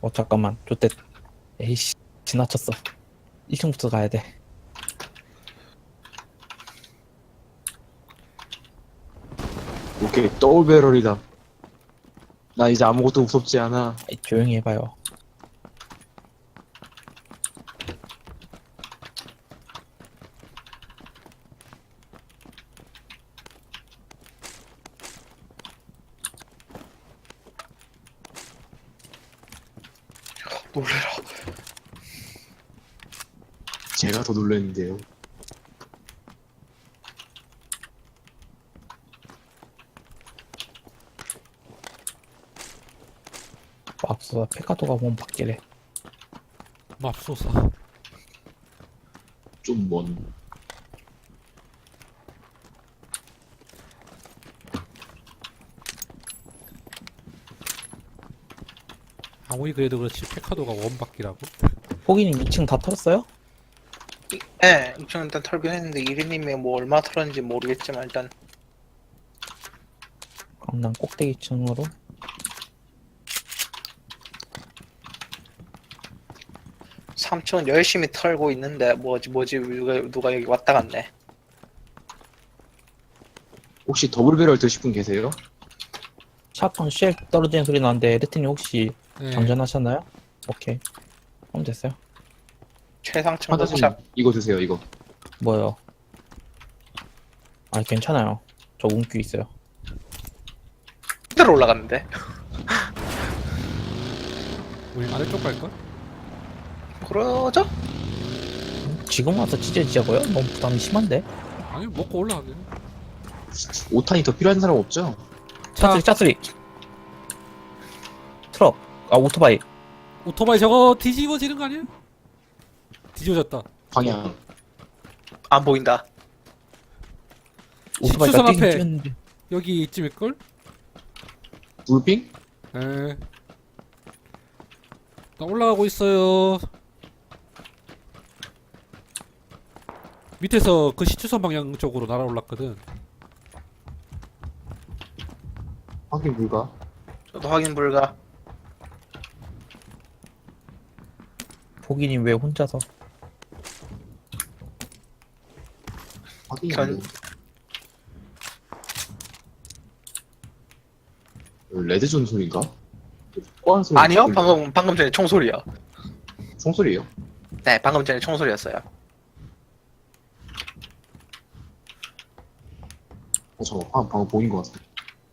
잠깐만 좋댔. 에이씨 지나쳤어. 1층부터 가야 돼. 오케이, 더블 배럴이다. 나 이제 아무것도 무섭지 않아. 아이, 조용히 해봐요. 놀래라. 제가 더 놀랐는데요. 맙소사 페카도가 몸 바뀌래. 맙소사. 좀 먼. 아무리 그래도 그렇지 페카도가 원바퀴라고? 포기님 2층 다 털었어요? 예, 이쪽 일단 털긴 했는데 이리님이 뭐 얼마 털었는지 모르겠지만 일단 그럼 난 꼭대기 층으로. 3층은 열심히 털고 있는데 뭐지 누가 여기 왔다 갔네. 혹시 더블 배럴 드실 분 계세요? 샤팡 쉘 떨어지는 소리 나는데 레트님 혹시 네. 장전하셨나요? 오케이. 그럼 됐어요. 최상층 하다님 도착. 이거 드세요, 이거. 뭐요? 아 괜찮아요. 저 운기 있어요. 그대로 올라갔는데. 우리 아래쪽 갈걸? 그러죠? 지금 와서 찢어지자고요? 너무 부담이 심한데? 아니 먹고 올라가게. 5탄이 더 필요한 사람 없죠? 자, 짜스리 트럭 오토바이. 오토바이 저거 뒤집어지는 거 아니야? 뒤집어졌다. 방향. 안 보인다. 오토바이가 식수성 뛰긴 앞에. 뛰었는데 여기 이쯤일걸? 불핑? 에. 나 올라가고 있어요. 밑에서 그 시추선 방향 쪽으로 날아올랐거든. 확인 불가. 저도 확인 불가. 포기님 왜 혼자서? 확인. 견- 레드존 소리인가? 뽀한 소리. 아니요, 방금 전에 총소리요. 총소리예요? 네, 방금 전에 총소리였어요. 잠깐, 방금 보인 것 같아.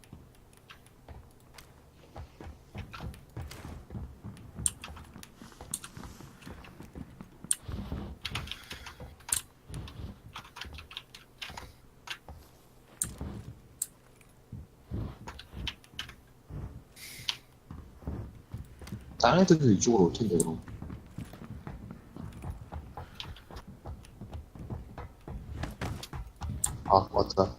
다른 애들도 이쪽으로 올 텐데, 그럼. 아, 왔다.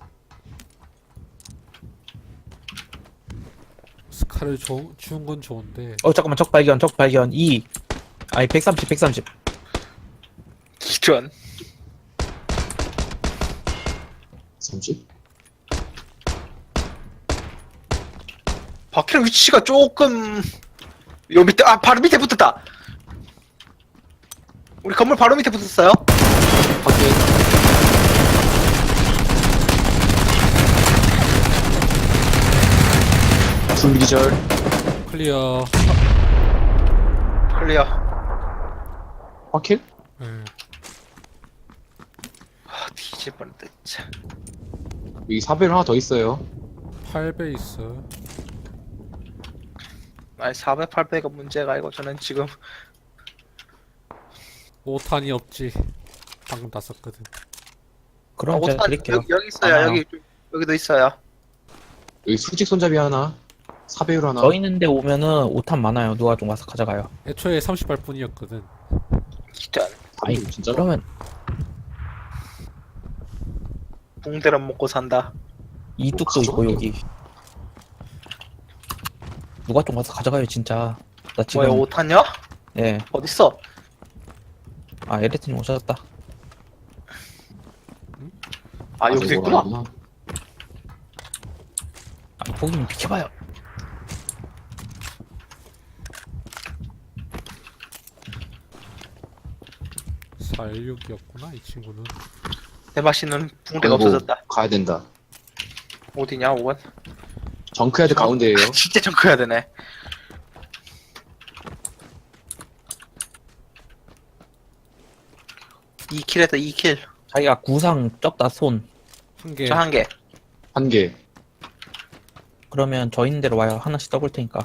스카를 주운 건 좋은데. 잠깐만 적 발견 2 아니 130 기전. 30? 바퀴 위치가 조금 요 밑에 바로 밑에 붙었다. 우리 건물 바로 밑에 붙었어요. 확인. 줄기절. 클리어. 클리어. 확킬? 예. 뒤질 뻔했다 진짜. 여기 4배율 하나 더 있어요. 8배 있어. 아니 400, 800가 문제가 아니고 저는 지금 5탄이 없지. 방금 다 썼거든. 그럼 제가 드릴게요. 여기 있어요. 많아요. 여기도 있어요. 여기 수직 손잡이 하나. 4배율 하나. 저 있는데 오면은 5탄 많아요. 누가 좀 와서 가져가요. 애초에 30발뿐이었거든. 기전. 아이, 진짜? 그러면 붕대를 먹고 산다. 이뚝도 있고 가져갈게요. 여기 누가 좀 와서 가져가요 진짜. 나 지금 뭐야 5탄요? 예. 어딨어? 아 에레트님 오셨다. 아 여기도 있구나. 아, 포기님 비켜봐요. 416이었구나 이 친구는. 대마씨는 붕대가 아이고, 없어졌다. 가야 된다. 어디냐 5번? 정크야드 가운데에요. 진짜 좀 커야 되네. 이킬 했다 2킬. 자기가 구상 적다 손. 한 개. 저 한 개. 한 개. 그러면 저 있는 대로 와요. 하나씩 떠볼 테니까.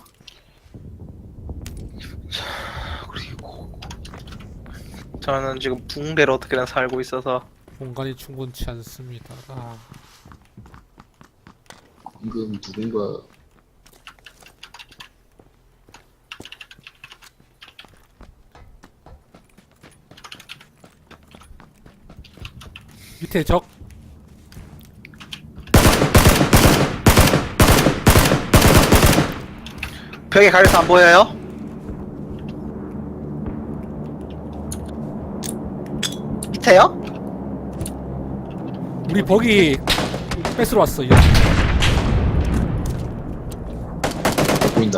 그리고 저는 지금 붕대로 어떻게든 살고 있어서 공간이 충분치 않습니다. 아, 방금 누군가 밑에 적. 벽에 가려서 안 보여요? 밑에요? 우리 버기 뺏으러 왔어. 이거. 보인다.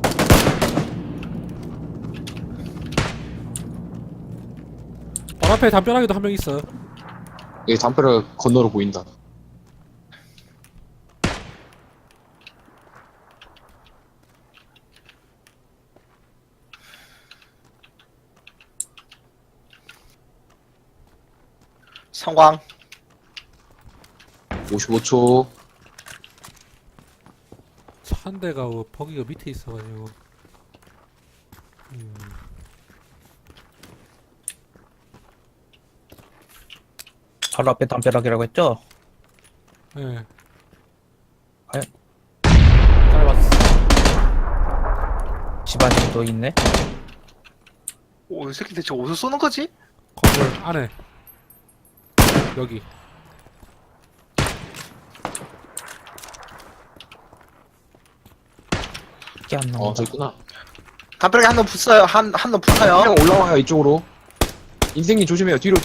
바로 앞에 담벼락에도 한 명 있어. 여기 담벼락 건너로 보인다. 성광. 55초. 차 한 대가 버기가 밑에 있어가지고. 바로 앞에 담벼락이라고 했죠? 예. 과연? 짧았어. 집안에 또 있네. 오, 이 새끼 대체 어디서 쏘는 거지? 건물 안에. 여기. 이게 안 나온다. 저 있구나. 담벼락에 한 놈 붙어요. 한놈 붙어요. 그냥 올라와요, 이쪽으로. 인생님 조심해요. 뒤로.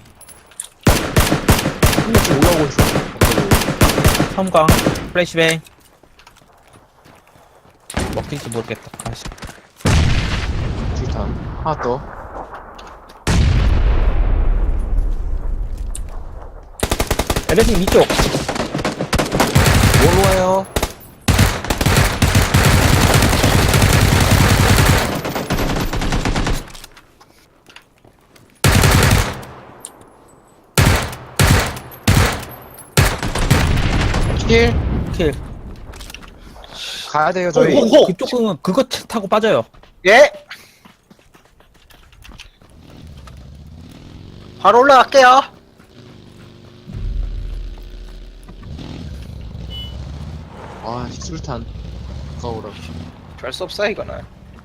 한 명씩 올라오고 있어. 섬광, 플래시뱅. 먹힐지 모르겠다. 아씨. 줄탄. 하나 더. 에레님 이쪽. 뭘로 와요? 킬. 킬. 가야 돼요, 저희. 오, 오. 그쪽은 그거 타고 빠져요. 예. 바로 올라갈게요. 아, 술탄. 가오라. 별 수 없어 이거는.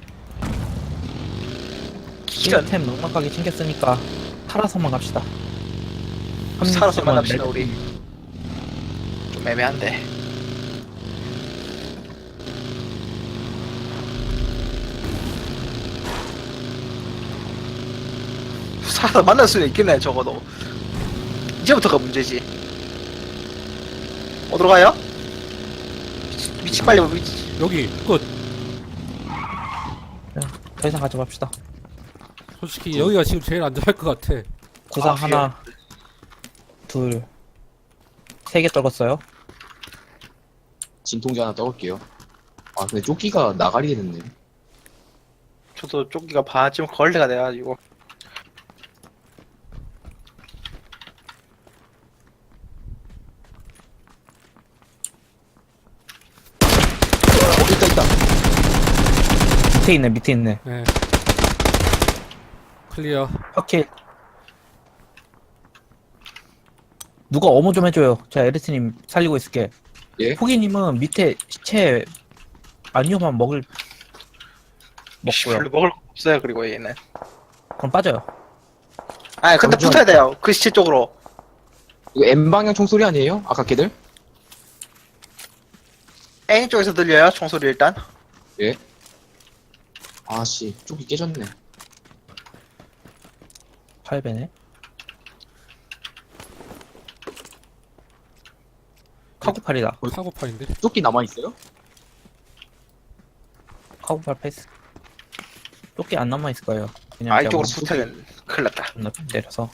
기전. 힐템 넉넉하게 챙겼으니까 살아서만 갑시다. 한 살아서 명씩만 만납시다 내- 우리. 좀 애매한데. 살아서 만날 수는 있겠네 적어도. 이제부터가 문제지. 어디로 가요? 미치 빨리 미치. 여기 끝. 더 이상 가져갑시다. 솔직히 여기가 지금 제일 안전할 것 같아. 구상 아, 하나, 둘, 3개 떨궜어요. 진통제 하나 떠올게요. 아, 근데 조끼가 나가리게 됐네. 저도 조끼가 반쯤 걸레가 돼가지고. 있다. 밑에 있네. 네. 클리어. 오케이. 누가 어머 좀 해줘요. 제가 에르트님 살리고 있을게. 예? 포기님은 밑에 시체 아니오만 먹고요. 별로 먹을 거 없어요. 그리고 얘는. 그럼 빠져요. 아 근데 잠시만. 붙어야 돼요. 그 시체 쪽으로. 이거 M방향 총소리 아니에요? 아까 걔들? A 쪽에서 들려요. 총소리 일단. 예. 아씨, 조끼 깨졌네. 8배네. 카구팔이다. 카고팔인데. 조끼 남아있어요? 카구팔 패스. 조끼 안 남아있을 거예요. 그냥 아 제가 이쪽으로 뭐- 붙어야 돼. 큰일 났다. 존나 때려서.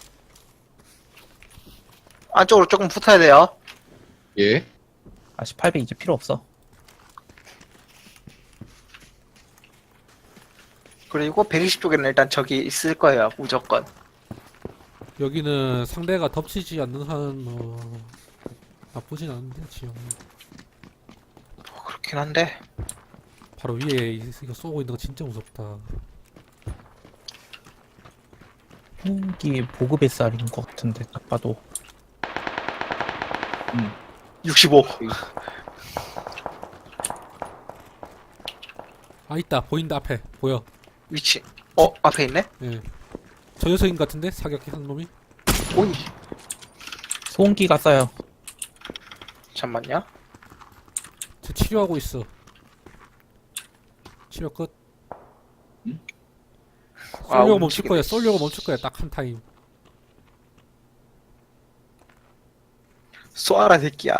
안쪽으로 조금 붙어야 돼요. 예. 아씨 800 이제 필요 없어. 그리고 120쪽에는 일단 적이 있을 거예요. 무조건. 여기는 상대가 덮치지 않는 한 나쁘진 않은데 지형. 그렇긴 한데. 바로 위에 이거 쏘고 있는 거 진짜 무섭다. 흉기 보급 SR인 것 같은데 딱 봐도. 65. 아 있다 보인다 앞에 보여. 위치. 앞에 있네? 예. 저 녀석인 것 같은데 사격한 놈이. 오이. 소음기가 써요. 잠만요. 저 치료하고 있어. 치료 끝. 쏠려고 멈출 거야. 쏠려고 멈출 거야. 딱 한 타임. 쏘아라 새끼야.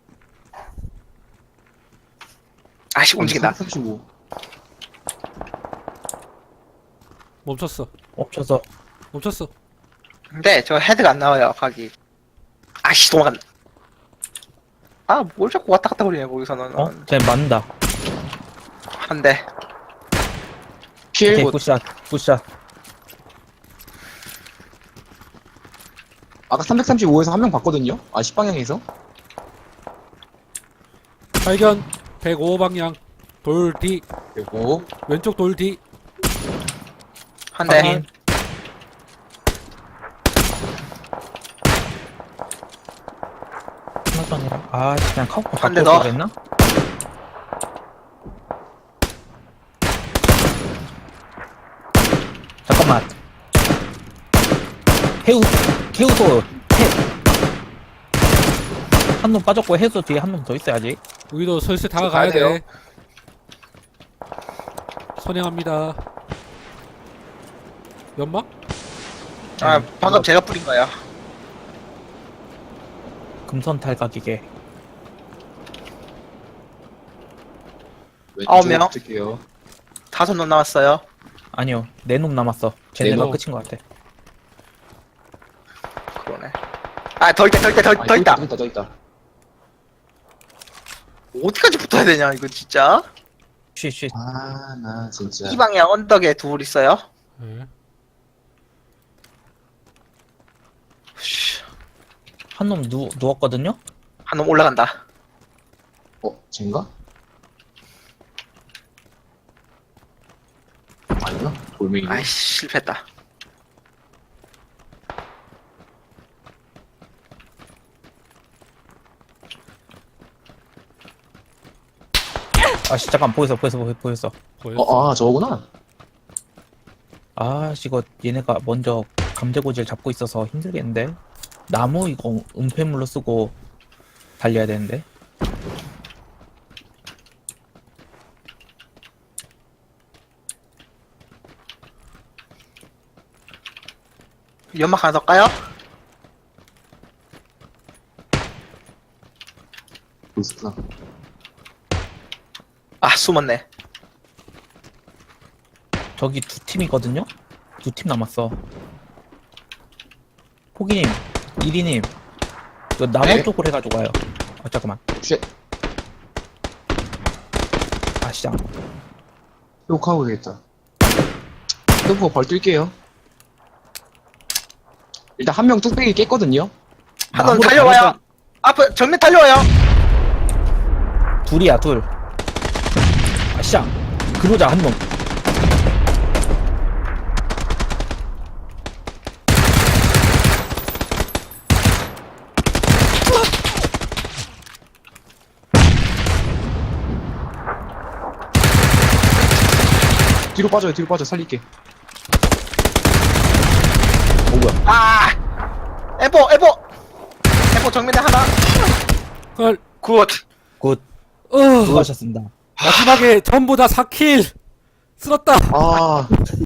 아씨 움직인다. 35. 멈췄어. 엎쳐서 멈췄어. 근데 저 헤드가 안 나와요. 각이. 아씨 도망간다. 아 뭘 자꾸 왔다 갔다 거리냐 거기서는. 쟤 맞는다. 한 대. 필. 오케이 굿샷 굿샷. 아까 335에서 한 명 봤거든요? 아, 10방향에서? 발견. 105방향. 돌 뒤. 그리고, 왼쪽 돌 뒤. 한 대. 확인. 하나도 아니라 아 그냥 카우퍼 한대 바꿔 더. 그랬나? 잠깐만. 해우소 한 놈 빠졌고 해우소 뒤에 한 놈 더 있어야지. 우리도 슬슬 다가가야 가야 돼요. 돼. 선행합니다. 연막? 아 방금 제가 뿌린 거야. 금선 탈각이게. 아홉 명. 왼쪽 붙을게요. 5놈 남았어요. 아니요 4놈 남았어. 쟤네가 놈. 끝인 것 같아. 그러네. 아 더 있다 더 있다 더 있다. 더 있다. 어디까지 붙어야 되냐 이거 진짜. 쉬쉬. 아, 나 진짜. 이 방향 언덕에 둘 있어요. 네. 한 놈 누웠거든요? 한 놈 올라간다. 쟤인가? 아니야? 돌멩이. 아이씨 실패했다. 아씨 잠깐 보였어. 보였어. 저거구나. 아씨 이거 얘네가 먼저 감대고지를 잡고 있어서 힘들겠는데. 나무 이거 은폐물로 쓰고 달려야 되는데. 연막 하나 더 까요? 보스구나. 아 숨었네. 저기 2팀이거든요? 2팀 남았어. 포기님, 이리님, 저 나무 네? 쪽으로 해가지고 가요. 아 잠깐만. 쉣. 아 시장. 회복하고 되겠다. 회복하고 벌 뛸게요. 일단 한 명 뚝배기 깼거든요? 한 놈 나무로 달려와요. 가니까 앞에 정면 달려와요. 둘이야 둘. 아 시장. 그러자 한 놈. 뒤로 빠져, 살릴게. 뭐야? 아 에보 정면에 하나. 헐. 굿. 굿. 어. 수고하셨습니다. 마지막에 전부 다 4킬. 쓸었다. 아,